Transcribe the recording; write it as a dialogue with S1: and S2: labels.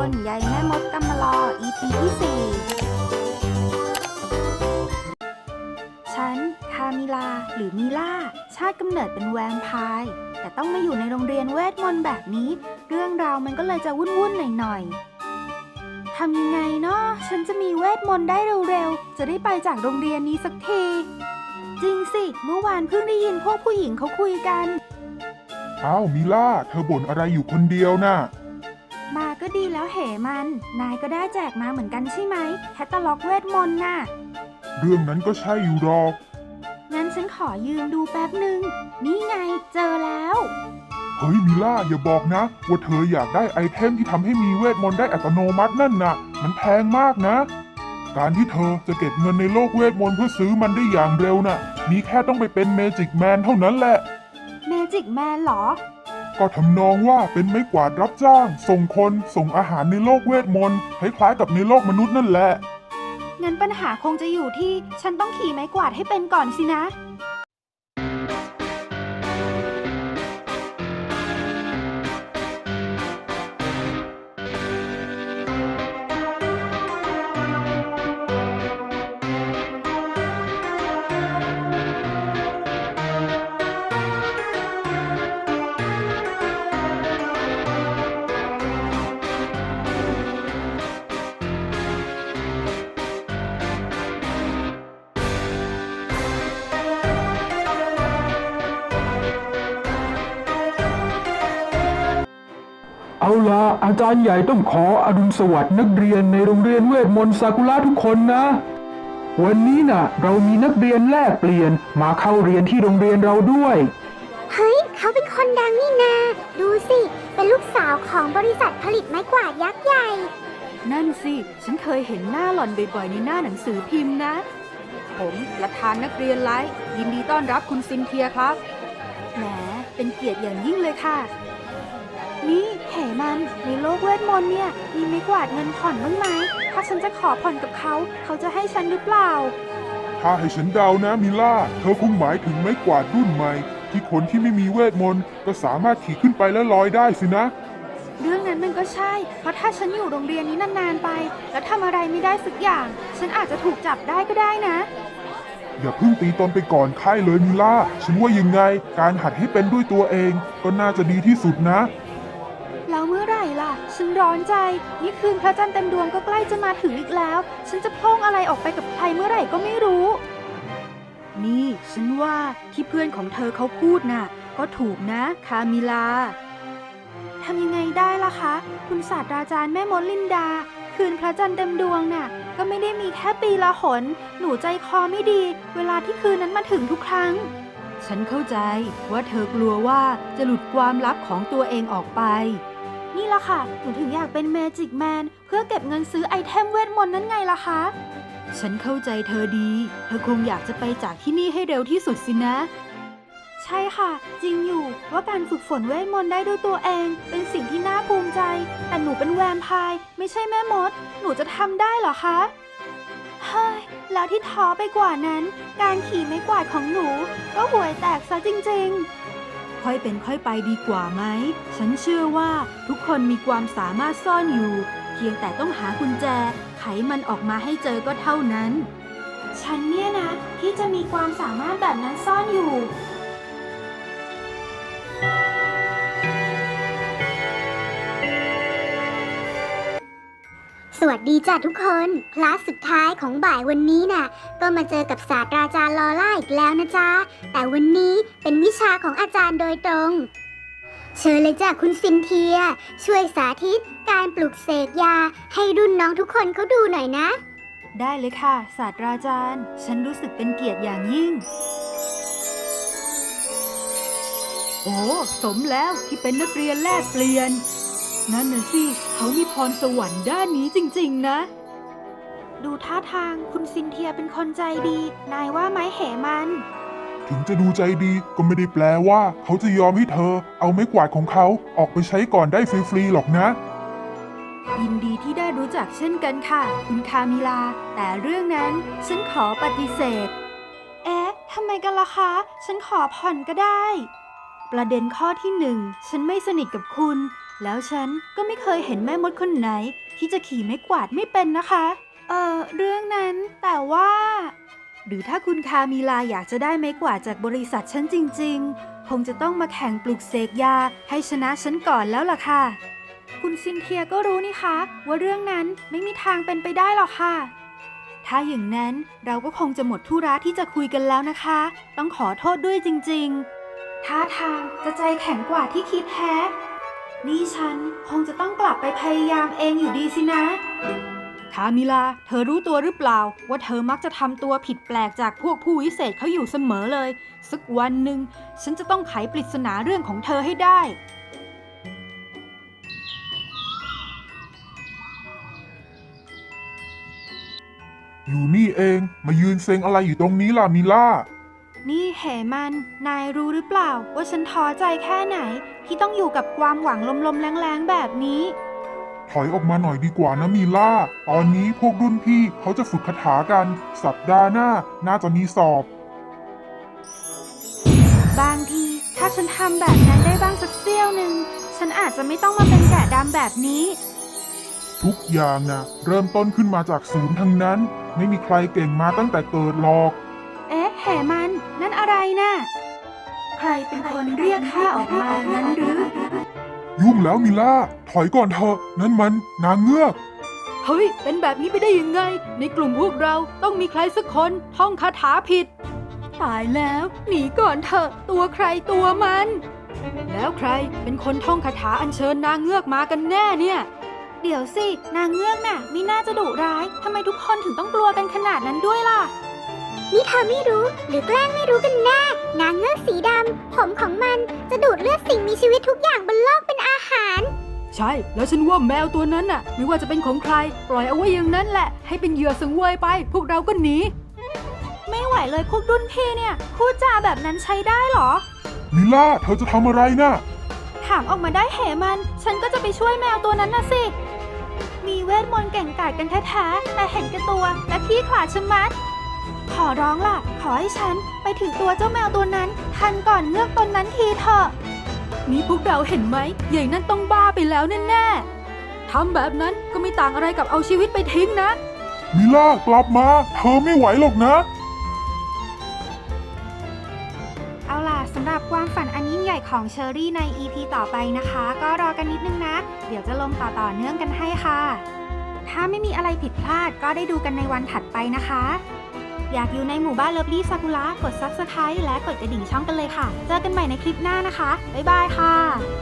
S1: นยายแม่มดกำมะลอ EP ที่ 4ฉันคามิลาหรือมิล่าชาติกำเนิดเป็นแวมไพร์แต่ต้องมาอยู่ในโรงเรียนเวทมนต์แบบนี้เรื่องราวมันก็เลยจะวุ่นๆหน่อยๆทำยังไงเนาะฉันจะมีเวทมนต์ได้เร็วๆจะได้ไปจากโรงเรียนนี้สักทีจริงสิเมื่อวานเพิ่งได้ยินพวกผู้หญิงเขาคุยกัน
S2: อ้าวมิล่าเธอบ่นอะไรอยู่คนเดียวน่ะ
S1: มาก็ดีแล้วเหมันนายก็ได้แจกมาเหมือนกันใช่ไหมแคตตาล็อกเวทมนต์น่ะ
S2: เรื่องนั้นก็ใช่อยู่หรอก
S1: งั้นฉันขอยืมดูแป๊บหนึ่งนี่ไงเจอแล้ว
S2: เฮ้ยมิล่าอย่าบอกนะว่าเธออยากได้ไอเทมที่ทำให้มีเวทมนต์ได้อัตโนมัตินั่นน่ะมันแพงมากนะการที่เธอจะเก็บเงินในโลกเวทมนต์เพื่อซื้อมันได้อย่างเร็วน่ะมีแค่ต้องไปเป็นเมจิกแมนเท่านั้นแหละ
S1: เมจิกแมนเหรอ
S2: ก็ทำนองว่าเป็นไม้กวาดรับจ้างส่งคนส่งอาหารในโลกเวทมนต์คล้ายๆกับในโลกมนุษย์นั่นแหละ
S1: งั้นปัญหาคงจะอยู่ที่ฉันต้องขี่ไม้กวาดให้เป็นก่อนสินะ
S3: เอาล่ะอาจารย์ใหญ่ต้องขออรุณสวัสดิ์นักเรียนในโรงเรียนเวทมนต์ซากุระทุกคนนะวันนี้น่ะเรามีนักเรียนแลกเปลี่ยนมาเข้าเรียนที่โรงเรียนเราด้วย
S4: เฮ้ยเขาเป็นคนดังนี่นาดูสิเป็นลูกสาวของบริษัทผลิตไม้กวาดยักษ์ใหญ่
S1: นั่นสิฉันเคยเห็นหน้าหล่อนบ่อยๆในหน้าหนังสือพิมพ์นะผมประธานนักเรียนไลท์ยินดีต้อนรับคุณซินเทียครับแหมเป็นเกียรติอย่างยิ่งเลยค่ะนี่เหมันในโลกเวทมนต์เนี่ยมีไม้กวาดเงินผ่อนบ้างไหมถ้าฉันจะขอผ่อนกับเขาเขาจะให้ฉันหรือเปล่า
S2: ถ้าให้ฉันเดานะมิล่าเธอคงหมายถึงไม้กวาดรุ่นใหม่ที่คนที่ไม่มีเวทมนต์ก็สามารถขี่ขึ้นไปและลอยได้สินะ
S1: เรื่องนั้นมันก็ใช่เพราะถ้าฉันอยู่โรงเรียนนี้นานๆไปแล้วทำอะไรไม่ได้สักอย่างฉันอาจจะถูกจับได้ก็ได้นะ
S2: อย่าเพิ่งตีตนไปก่อนค่ายเลยมิล่าฉันว่ายังไงการหัดให้เป็นด้วยตัวเองก็น่าจะดีที่สุดนะ
S1: แล้วเมื่อไหร่ล่ะฉันร้อนใจนี่คืนพระจันทร์เต็มดวงก็ใกล้จะมาถึงอีกแล้วฉันจะพ่งอะไรออกไปกับใครเมื่อไหร่ก็ไม่รู้นี่ฉันว่าที่เพื่อนของเธอเขาพูดน่ะก็ถูกนะคามิลาทำยังไงได้ล่ะคะคุณศาสตราจารย์แม่มดลินดาคืนพระจันทร์เต็มดวงน่ะก็ไม่ได้มีแค่ปีละหนหนูใจคอไม่ดีเวลาที่คืนนั้นมาถึงทุกครั้งฉันเข้าใจว่าเธอกลัวว่าจะหลุดความลับของตัวเองออกไปนี่ล่ะค่ะหนูถึงอยากเป็นเมจิกแมนเพื่อเก็บเงินซื้อไอเทมเวทมนต์นั่นไงล่ะคะฉันเข้าใจเธอดีเธอคงอยากจะไปจากที่นี่ให้เร็วที่สุดสินะใช่ค่ะจริงอยู่ว่าการฝึกฝนเวทมนต์ได้ด้วยตัวเองเป็นสิ่งที่น่าภูมิใจแต่หนูเป็นแวมไพร์ไม่ใช่แม่มดหนูจะทำได้เหรอคะเฮ้ยแล้วที่ท้อไปกว่านั้นการขี่ไม้กวาดของหนูก็ห่วยแตกซะจริงๆค่อยเป็นค่อยไปดีกว่าไหมฉันเชื่อว่าทุกคนมีความสามารถซ่อนอยู่เพียงแต่ต้องหากุญแจไขมันออกมาให้เจอก็เท่านั้นฉันเนี่ยนะที่จะมีความสามารถแบบนั้นซ่อนอยู่
S4: สวัสดีจ้ะทุกคนคลาสสุดท้ายของบ่ายวันนี้น่ะก็มาเจอกับศาสตราจารย์ลอร่าอีกแล้วนะจ๊ะแต่วันนี้เป็นวิชาของอาจารย์โดยตรงเชิญเลยจ้ะคุณซินเทียช่วยสาธิตการปลุกเสกยาให้รุ่นน้องทุกคนเขาดูหน่อยนะ
S1: ได้เลยค่ะศาสตราจารย์ฉันรู้สึกเป็นเกียรติอย่างยิ่งโอ้สมแล้วที่เป็นนักเรียนแลกเปลี่ยนนั่นน่ะสิเขามีพรสวรรค์ด้านนี้จริงๆนะดูท่าทางคุณซินเทียเป็นคนใจดีนายว่าไหมเหมัน
S2: ถึงจะดูใจดีก็ไม่ได้แปลว่าเขาจะยอมให้เธอเอาไม้กวาดของเขาออกไปใช้ก่อนได้ฟรีๆหรอกนะ
S1: ยินดีที่ได้รู้จักเช่นกันค่ะคุณคามิลาแต่เรื่องนั้นฉันขอปฏิเสธทำไมกันล่ะคะฉันขอผ่อนก็ได้ประเด็นข้อที่1ฉันไม่สนิทกับคุณแล้วฉันก็ไม่เคยเห็นแม่มดคนไหนที่จะขี่ไม้กวาดไม่เป็นนะคะ เรื่องนั้นแต่ว่า หรือถ้าคุณคามิลาอยากจะได้ไม้กวาดจากบริษัทฉันจริงๆ คงจะต้องมาแข่งปลุกเสกยาให้ชนะฉันก่อนแล้วล่ะค่ะ คุณซินเทียก็รู้นี่คะว่าเรื่องนั้นไม่มีทางเป็นไปได้หรอกค่ะ ถ้าอย่างนั้นเราก็คงจะหมดธุระที่จะคุยกันแล้วนะคะ ต้องขอโทษด้วยจริงๆท่าทางจะใจแข็งกว่าที่คิดแฮะนี่ฉันคงจะต้องกลับไปพยายามเองอยู่ดีสินะคามิลาเธอรู้ตัวหรือเปล่าว่าเธอมักจะทำตัวผิดแปลกจากพวกผู้วิเศษเขาอยู่เสมอเลยสักวันหนึ่งฉันจะต้องไขปริศนาเรื่องของเธอให้ได้
S2: อยู่นี่เองมายืนเซ็งอะไรอยู่ตรงนี้ล่ะมิล่า
S1: นี่เหมันนายรู้หรือเปล่าว่าฉันท้อใจแค่ไหนที่ต้องอยู่กับความหวังลมๆแรงๆแบบนี้
S2: ถอยออกมาหน่อยดีกว่านะมิล่า ตอนนี้พวกรุ่นพี่เขาจะฝึกคาถากัน สัปดาห์หน้าน่าจะมีสอบ
S1: บางทีถ้าฉันทำแบบนั้นได้บ้างสักเสี้ยวหนึ่งฉันอาจจะไม่ต้องมาเป็นแกะดำแบบนี้
S2: ทุกอย่างนะเริ่มต้นขึ้นมาจากศูนย์ทั้งนั้น ไม่มีใครเก่งมาตั้งแต่เกิดหรอก
S1: เอ๊ะเหมันนั่นอะไรน่ะใครเป็นคนเรียกข้าออกมางั้นหรือ
S2: ยุ่งแล้วมิล่า ถอยก่อนเถอะนั่นมันนางเงือก
S1: เฮ้ยเป็นแบบนี้ไปได้ยังไงในกลุ่มพวกเราต้องมีใครสักคนท่องคาถาผิดตายแล้วหนีก่อนเถอะตัวใครตัวมัน แล้วใครเป็นคนท่องคาถาอัญเชิญนางเงือกมากันแน่เนี่ยเดี๋ยวสินางเงือกน่ะไม่น่าจะดุร้ายทำไมทุกคนถึงต้องกลัวกันขนาดนั้นด้วยล่ะ
S4: นี่เธอไม่รู้หรือแกล้งไม่รู้กันแน่นางเงือกสีดำผมของมันจะดูดเลือดสิ่งมีชีวิตทุกอย่างบนโลกเป็นอาหาร
S1: ใช่แล้วฉันว่าแมวตัวนั้นน่ะไม่ว่าจะเป็นของใครปล่อยเอาไว้อย่างนั้นแหละให้เป็นเหยื่อสังเวยไปพวกเราก็หนีไม่ไหวเลยพวกรุ่นพี่เนี่ยพูดจาแบบนั้นใช้ได้เหรอ
S2: มิล่า เธอจะทำอะไรนะ
S1: ถามออกมาได้เหมันฉันก็จะไปช่วยแมวตัวนั้นน่ะสิมีเวทมนต์เก่งกาจกันแท้ๆแต่เห็นแก่ตัวและขี้ขลาดชะมัดขอร้องล่ะขอให้ฉันไปถึงตัวเจ้าแมวตัวนั้นทันก่อนเงือกตนนั้นทีเถอะนี่พวกเราเห็นไหมใหญ่นั่นต้องบ้าไปแล้วแน่ๆทำแบบนั้นก็ไม่ต่างอะไรกับเอาชีวิตไปทิ้งนะ
S2: มิล่ากลับมา เธอไม่ไหวหรอกนะ
S1: เอาล่ะสำหรับความฝันอันยิ่งใหญ่ของเชอรี่ใน EP ต่อไปนะคะ ก็รอกันนิดนึงนะ เดี๋ยวจะลงต่อเนื่องกันให้ค่ะ ถ้าไม่มีอะไรผิดพลาดก็ได้ดูกันในวันถัดไปนะคะ อยากอยู่ในหมู่บ้านเลิฟลี่ซากุระกด Subscribe และกดกระดิ่งช่องกันเลยค่ะ เจอกันใหม่ในคลิปหน้านะคะ บ๊ายบายค่ะ